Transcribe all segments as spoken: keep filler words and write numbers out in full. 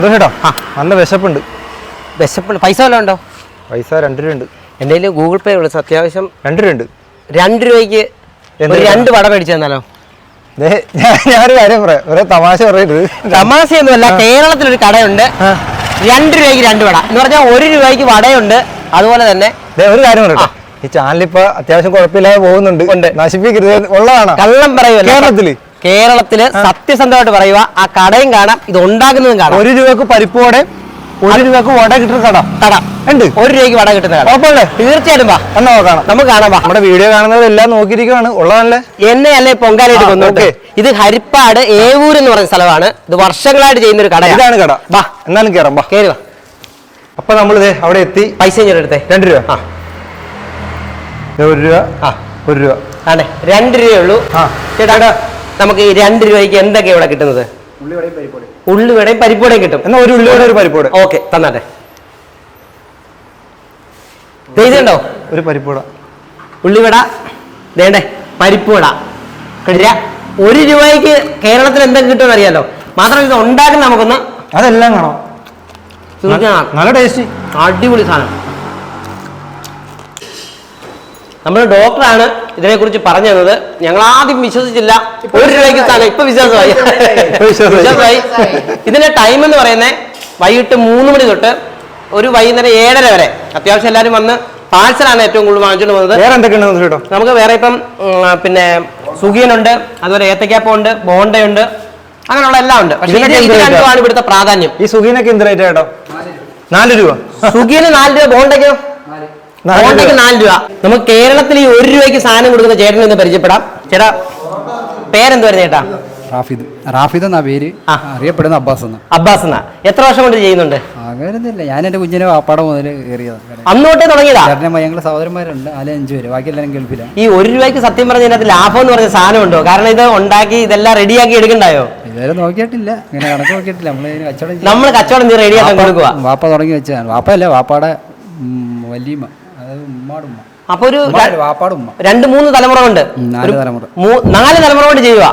കേട്ടോ നല്ല വിശപ്പുണ്ട്. വിശപ്പുണ്ട്. പൈസ വല്ലതും ഉണ്ടോ? പൈസ രണ്ട് രൂപ ഉണ്ട്. എൻ്റെ കയ്യിൽ ഗൂഗിൾ പേ ഉള്ളു. അത്യാവശ്യം രണ്ട് രൂപ ഉണ്ട്. രണ്ട് രൂപയ്ക്ക് ഒരു രണ്ട് വട മേടിച്ചു തന്നാലോ? ഞാനൊരു കാര്യം പറയാം, ഒരേ തമാശ പറയരുത്. തമാശയൊന്നുമല്ല. കേരളത്തിലൊരു കടയുണ്ട്, രണ്ട് രൂപയ്ക്ക് രണ്ട് വട എന്ന് പറഞ്ഞാൽ ഒരു രൂപയ്ക്ക് വടയുണ്ട്. അതുപോലെ തന്നെ ഒരു കാര്യം പറയട്ടോ, ഈ ചാനൽ ഇപ്പൊ അത്യാവശ്യം കുഴപ്പമില്ലാതെ പോകുന്നുണ്ട്. നശിപ്പിക്കരുത്, ഉള്ളതാണ്. കള്ളം പറയുമല്ലോ. കേരളത്തില് കേരളത്തില് സത്യസന്ധമായിട്ട് പറയുക, ആ കടയും കാണാം, ഇത് ഉണ്ടാക്കുന്നതും കാണാം. ഒരു രൂപക്ക് പരിപ്പോടെ ഒരു രൂപക്ക് വട കിട്ടുന്ന കട കട ഉണ്ട്. ഒരു രൂപയ്ക്ക് വട കിട്ടുന്ന കട ഉറപ്പല്ലേ? തീർച്ചയായിട്ടും വാ, എന്നാ കാണാം, നമുക്ക് കാണാം. നമ്മുടെ വീഡിയോ കാണുന്നത് എല്ലാം നോക്കിയിരിക്കുവാണ്. ഉള്ളതല്ലേ? എന്നെ അല്ലേ പൊങ്കാലായിട്ട് കൊന്നോട്ടെ. ഇത് ഹരിപ്പാട് ഏവൂർ എന്ന് പറയുന്ന സ്ഥലമാണ്. ഇത് വർഷങ്ങളായിട്ട് ചെയ്യുന്ന ഒരു കട. ഇതാണ് കട. വാ, എന്നാലും കയറാം, വാ, കയറി വാ. അപ്പൊ നമ്മളിത് അവിടെ എത്തി. പൈസ എടുത്തേ. രണ്ട് രൂപ. ആ, ഒരു രൂപ. ആ, ഒരു രൂപ. ആണേ, രണ്ട് രൂപയേ ഉള്ളൂ. ആ ചേട്ടാ, നമുക്ക് ഈ രണ്ട് രൂപയ്ക്ക് എന്തൊക്കെയാണ് ഇവിടെ കിട്ടുന്നത്? ഉള്ളിവടയും പരിപ്പോടയും കിട്ടും. എന്നാ ഒരു ഉള്ളിവട ഒരു പരിപ്പോട. ഓക്കെ, തന്നാട്ടെ. ഇതുണ്ടോ? ഒരു പരിപ്പോട, ഉള്ളിവട, വേണ്ടേ പരിപ്പുവട. ഒരു രൂപയ്ക്ക് കേരളത്തിൽ എന്തൊക്കെ കിട്ടുമെന്ന് അറിയാലോ. മാത്രമല്ല ഇത് ഉണ്ടാക്കുന്ന നമുക്കൊന്ന് അതെല്ലാം കാണാം. നല്ല ടേസ്റ്റ്, അടിപൊളി സാധനം. നമ്മുടെ ഡോക്ടറാണ് ഇതിനെക്കുറിച്ച് പറഞ്ഞു തന്നത്. ഞങ്ങൾ ആദ്യം വിശ്വസിച്ചില്ല. ഒരു രൂപയ്ക്ക് സാധനം ഇപ്പൊ വിശ്വാസമായി വിശ്വാസമായി ഇതിന്റെ ടൈം എന്ന് പറയുന്നത് വൈകിട്ട് മൂന്ന് മണി തൊട്ട് ഒരു വൈകുന്നേരം ഏഴര വരെ. അത്യാവശ്യം എല്ലാവരും വന്ന് പാഴ്സലാണ് ഏറ്റവും കൂടുതൽ വാങ്ങിച്ചുകൊണ്ട് വന്നത്. വേറെ എന്തൊക്കെയുണ്ട് കേട്ടോ? നമുക്ക് വേറെ ഇപ്പം പിന്നെ സുഖിയനുണ്ട്, അതുപോലെ ഏത്തക്കാപ്പം ഉണ്ട്, ബോണ്ടയുണ്ട്, അങ്ങനെയുള്ള എല്ലാം ഉണ്ട്. പക്ഷേ ഇത് രണ്ടുമാണ് ഇവിടുത്തെ പ്രാധാന്യം. ഈ സുഖിയനൊക്കെ എന്ത് റേറ്റ് കേട്ടോ? നാല് രൂപ. സുഖിയന് നാല് രൂപ, ബോണ്ടയ്ക്കോ ബോണ്ടയ്ക്ക് നാല് രൂപ. നമുക്ക് കേരളത്തിൽ ഈ ഒരു രൂപയ്ക്ക് സാധനം കൊടുക്കുന്ന ചേട്ടനെ ഒന്ന് പരിചയപ്പെടാം. ചേട്ടാ പേരെന്ത് വരുന്നത് ചേട്ടാ? റാഫിദ്. റാഫിദ് എന്നാ പേര്, അറിയപ്പെടുന്ന അബ്ബാസ് എന്ന. അബ്ബാസ് എന്നാ. എത്ര വർഷം കൊണ്ട് ചെയ്യുന്നുണ്ട്? അങ്ങനെയൊന്നുമില്ല, ഞാൻ എന്റെ കുഞ്ഞിനെ വാപ്പാടെ മുതൽ കയറിയതാണ്. അന്നോട്ടേ തുടങ്ങിയതാ? ഞങ്ങള് സഹോദരന്മാരുണ്ട്, അതിൽ അഞ്ചു പേര്, ബാക്കി എല്ലാവരും ഗൾഫില. ഈ ഒരു രൂപയ്ക്ക് സത്യം പറഞ്ഞ ഇതിനകത്ത് ലാഭം എന്ന് പറഞ്ഞ സാധനം ഉണ്ടോ? കാരണം ഇത് ഉണ്ടാക്കി ഇതെല്ലാം റെഡിയാക്കി എടുക്കണ്ടായോ? ഇതുവരെ നോക്കിയിട്ടില്ല, ഇങ്ങനെ കണക്ക് നോക്കിയിട്ടില്ല. നമ്മള് കച്ചവടം നമ്മൾ കച്ചവടം റെഡിയാക്കാൻ കൊടുക്കുക. വാപ്പ തുടങ്ങി വെച്ചതാണ്. വാപ്പയല്ല, വാപ്പാടെ വലിയമ്മ, അതായത് ഉമ്മാട് ഉമ്മ. അപ്പൊ ഒരു വാപ്പാട് ഉമ്മ രണ്ട് മൂന്ന് തലമുറ കൊണ്ട്, നാല് തലമുറ നാല് തലമുറ കൊണ്ട് ചെയ്യുക.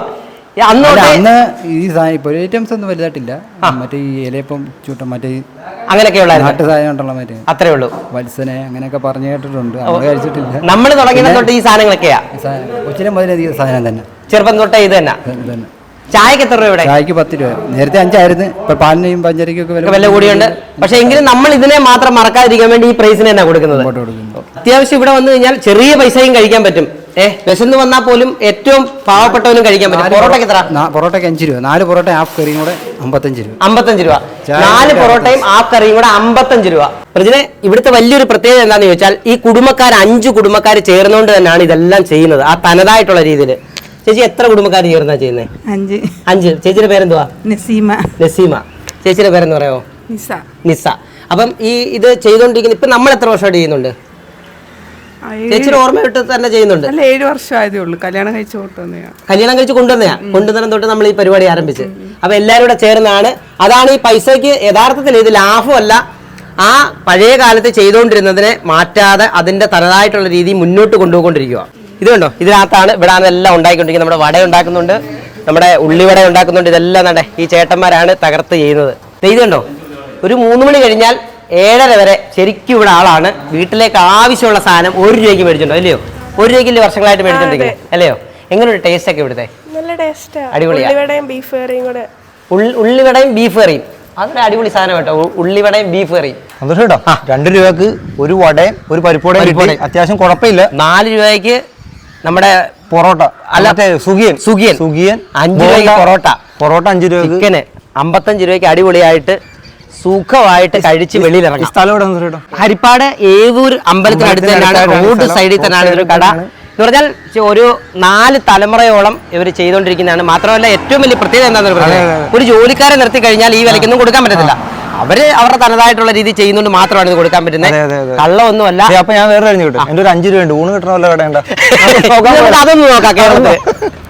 അന്ന് ഈ സാധനം ഇപ്പൊ ഐറ്റംസ് ഒന്നും വലുതായിട്ടില്ല. മറ്റേ ഈ ഇലയപ്പം ചൂട്ടം, മറ്റേ അങ്ങനെയൊക്കെയുള്ള നാട്ടു സാധനം ഉണ്ടല്ലോ, മറ്റേ അത്രേ ഉള്ളൂ. വത്സനെ അങ്ങനെയൊക്കെ പറഞ്ഞു കേട്ടിട്ടുണ്ട്, നമ്മൾ കഴിച്ചിട്ടില്ല. നമ്മൾ തുടങ്ങിയ തൊട്ട് ഈ സാധനങ്ങളൊക്കെയാ. കൊച്ചിനെ മുതലധികം സാധനം തന്നെ, ചെറുപ്പം തൊട്ടേ ഇത് തന്നെ. ചായക്ക് എത്ര രൂപ? ചായക്ക് പത്ത് രൂപ. നേരത്തെ അഞ്ചായിരുന്നു, ഇപ്പൊ പാലിനെയും പഞ്ചരിക്കൊക്കെ വില കൂടിയുണ്ട്. പക്ഷെ എങ്കിലും നമ്മൾ ഇതിനെ മാത്രം മറക്കാതിരിക്കാൻ വേണ്ടി ഈ പ്രൈസിന് തന്നെ കൊടുക്കുന്നത്. അത്യാവശ്യം ഇവിടെ വന്നു കഴിഞ്ഞാൽ ചെറിയ പൈസയും കഴിക്കാൻ പറ്റും. ഏഹ് വിശന്ന് വന്നാൽ പോലും ഏറ്റവും പാവപ്പെട്ടവനും കഴിക്കാൻ പറ്റും. പൊറോട്ടയ്ക്ക് എത്ര? പൊറോട്ടയ്ക്ക് അഞ്ച് രൂപ. നാല് പൊറോട്ട ഹാഫ് കറിയും കൂടെ അമ്പത്തഞ്ച് രൂപ. അമ്പത്തഞ്ച് രൂപ. നാല് പൊറോട്ടയും ഹാഫ് കറിയും കൂടെ അമ്പത്തഞ്ച് രൂപ. പ്രജിനെ, ഇവിടുത്തെ വലിയൊരു പ്രത്യേകത എന്താണെന്ന് ചോദിച്ചാൽ ഈ കുടുംബക്കാർ അഞ്ച് കുടുംബക്കാർ ചേർന്നുകൊണ്ട് തന്നെയാണ് ഇതെല്ലാം ചെയ്യുന്നത്, ആ തനതായിട്ടുള്ള രീതിയിൽ. ചേച്ചി എത്ര കുടുംബക്കാർ ചേർന്നാ ചെയ്യുന്നത്? അഞ്ച്. അഞ്ച്. ചേച്ചിയുടെ പേരെന്തുവാ? നസീമ. നസീമ. ചേച്ചിയുടെ പേരെന്ന് പറയാമോ? നിസ. നിസ. അപ്പം ഈ ഇത് ചെയ്തോണ്ടിരിക്കുന്ന ഇപ്പൊ നമ്മൾ എത്ര വർഷമായിട്ട് ചെയ്യുന്നുണ്ട്? ചേച്ചിയുടെ ഓർമ്മയിട്ട് തന്നെ ചെയ്യുന്നുണ്ട്. ഏഴ് വർഷം ആയതേ ഉള്ളൂ. കല്യാണം കഴിച്ച് കൊണ്ടുവന്നെയാ. കല്യാണം കഴിച്ച് കൊണ്ടുവന്നെയാ. കൊണ്ടുവന്ന തൊട്ട് നമ്മൾ ഈ പരിപാടി ആരംഭിച്ച്. അപ്പൊ എല്ലാവരും കൂടെ ചേർന്നാണ്. അതാണ് ഈ പൈസക്ക് യഥാർത്ഥത്തിൽ ഇത് ലാഭമല്ല, ആ പഴയ കാലത്ത് ചെയ്തുകൊണ്ടിരുന്നതിനെ മാറ്റാതെ അതിന്റെ തനതായിട്ടുള്ള രീതി മുന്നോട്ട് കൊണ്ടുപോയിക്കൊണ്ടിരിക്കുക. ഇത് കണ്ടോ, ഇതിനകത്താണ് ഇവിടെ എല്ലാം ഉണ്ടാക്കിക്കൊണ്ടിരിക്കുന്നത്. നമ്മുടെ വട ഉണ്ടാക്കുന്നുണ്ട്, നമ്മുടെ ഉള്ളിവട ഉണ്ടാക്കുന്നുണ്ട്. ഇതെല്ലാം തന്നെ ഈ ചേട്ടന്മാരാണ് തകർത്ത് ചെയ്യുന്നത്. ഇത് കണ്ടോ, ഒരു മൂന്ന് മണി കഴിഞ്ഞാൽ ഏഴര വരെ ശരിക്കും ഇവിടെ ആളാണ്. വീട്ടിലേക്ക് ആവശ്യമുള്ള സാധനം ഒരു രൂപയ്ക്ക് മേടിച്ചിട്ടുണ്ടോ? അല്ലയോ? ഒരു രൂപയ്ക്ക് വർഷങ്ങളായിട്ട് മേടിച്ചിട്ടുണ്ടെങ്കിൽ അല്ലയോ? എങ്ങനെയുണ്ട് ടേസ്റ്റ് ഒക്കെ ഇവിടുത്തെ? നല്ല ടേസ്റ്റ്, അടിപൊളിയാണ്. ഉള്ളിവടയും ബീഫ് കറിയും കൂടെ. ഉള്ളിവടയും ബീഫ് കറിയും അതൊരു അടിപൊളി സാധനം കേട്ടോ. ഉള്ളിവടയും ബീഫ് കറിയും സന്തോഷം കേട്ടോ. രണ്ട് രൂപക്ക് ഒരു വടയും ഒരു പരിപ്പോടയും അത്യാവശ്യം കുഴപ്പമില്ല. നാല് രൂപയ്ക്ക് നമ്മുടെ പൊറോട്ട, അല്ലാത്ത സുഖിയൻ സുഖിയൻ സുഖിയൻ അഞ്ച് രൂപയ്ക്ക് പൊറോട്ട. പൊറോട്ട അഞ്ച് രൂപ. ചിക്കന് അമ്പത്തഞ്ച് രൂപയ്ക്ക് അടിപൊളിയായിട്ട് സുഖമായിട്ട് കഴിച്ച് വെളിയിലിറങ്ങി. സ്ഥലം ഹരിപ്പാട് ഏവൂർ അമ്പലത്തിനടുത്ത് തന്നെയാണ്, റോഡ് സൈഡിൽ തന്നെയാണ് ഇതൊരു കട. എന്ന് പറഞ്ഞാൽ ഒരു നാല് തലമുറയോളം ഇവർ ചെയ്തുകൊണ്ടിരിക്കുന്നതാണ്. മാത്രമല്ല ഏറ്റവും വലിയ പ്രത്യേകത എന്താണെന്ന് പറയുന്നത്, ഒരു ജോലിക്കാരെ നിർത്തി കഴിഞ്ഞാൽ ഈ വിലക്കൊന്നും കൊടുക്കാൻ പറ്റത്തില്ല. അവര് അവരുടെ തനതായിട്ടുള്ള രീതി ചെയ്യുന്നതുകൊണ്ട് മാത്രമാണ് ഇത് കൊടുക്കാൻ പറ്റുന്നത്. കള്ളമൊന്നുമല്ല. അപ്പൊ ഞാൻ വേറെ കഴിഞ്ഞു കിട്ടും. എന്റെ ഒരു അഞ്ചു രൂപ ഉണ്ട്, ഊണ് കിട്ടണമല്ലോ കടയുണ്ട്. അതൊന്നും നോക്കാം കേരളത്തിൽ.